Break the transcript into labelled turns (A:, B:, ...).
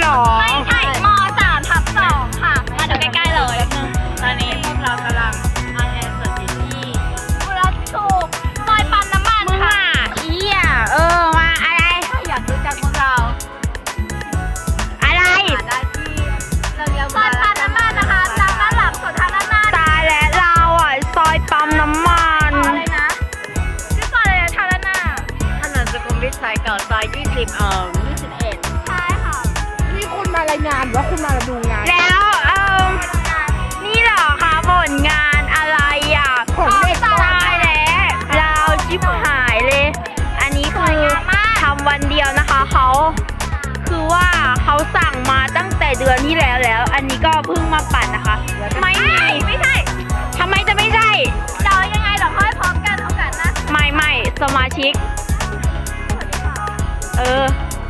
A: 2
B: ไม่ใช่ม3/2ค่ะมาดูใกล้ๆเลยตอนนี้พวกเรากำลังออนแอร์สดอยู่ที่บุรีถูกซอยปั๊มน้ำมันค่ะ
A: มาอะไร
B: ถ้าอยากรู้จักพวกเรา
A: อะไร
B: หาได้ที่เราเรียกซอยปั๊มน้ำมันนะคะทางด้านหลังสุดทางด้านหน้า
A: ตายแล้วเราอ่ะซอยปั๊มน้ำมัน
B: อะไรนะชื่อซอยอะไรนะทางด้านหน้า
C: ถนนสุขุมวิทซอยเก่าซอย20 21
B: ใช่ค่ะ
D: นี่คุณมารายงานหรือว่าคุณมาดูงาน
A: แล้วนี่เหรอคะผลงานอะไรอ่ะ
D: ของเด็ก
A: ตายแล้วเราชิบหายเลย อันนี้คือทำวันเดียวนะคะคือว่าเขาสั่งมาตั้งแต่เดือนที่แล้ว อันนี้ก็เพิ่งมาปั่นนะคะ ไม่ใช่ทำไมจะไม่ใช่
B: เรายังไงเราค่อยพร้อมกันโอกาสหน้า
A: ไม่สมาชิก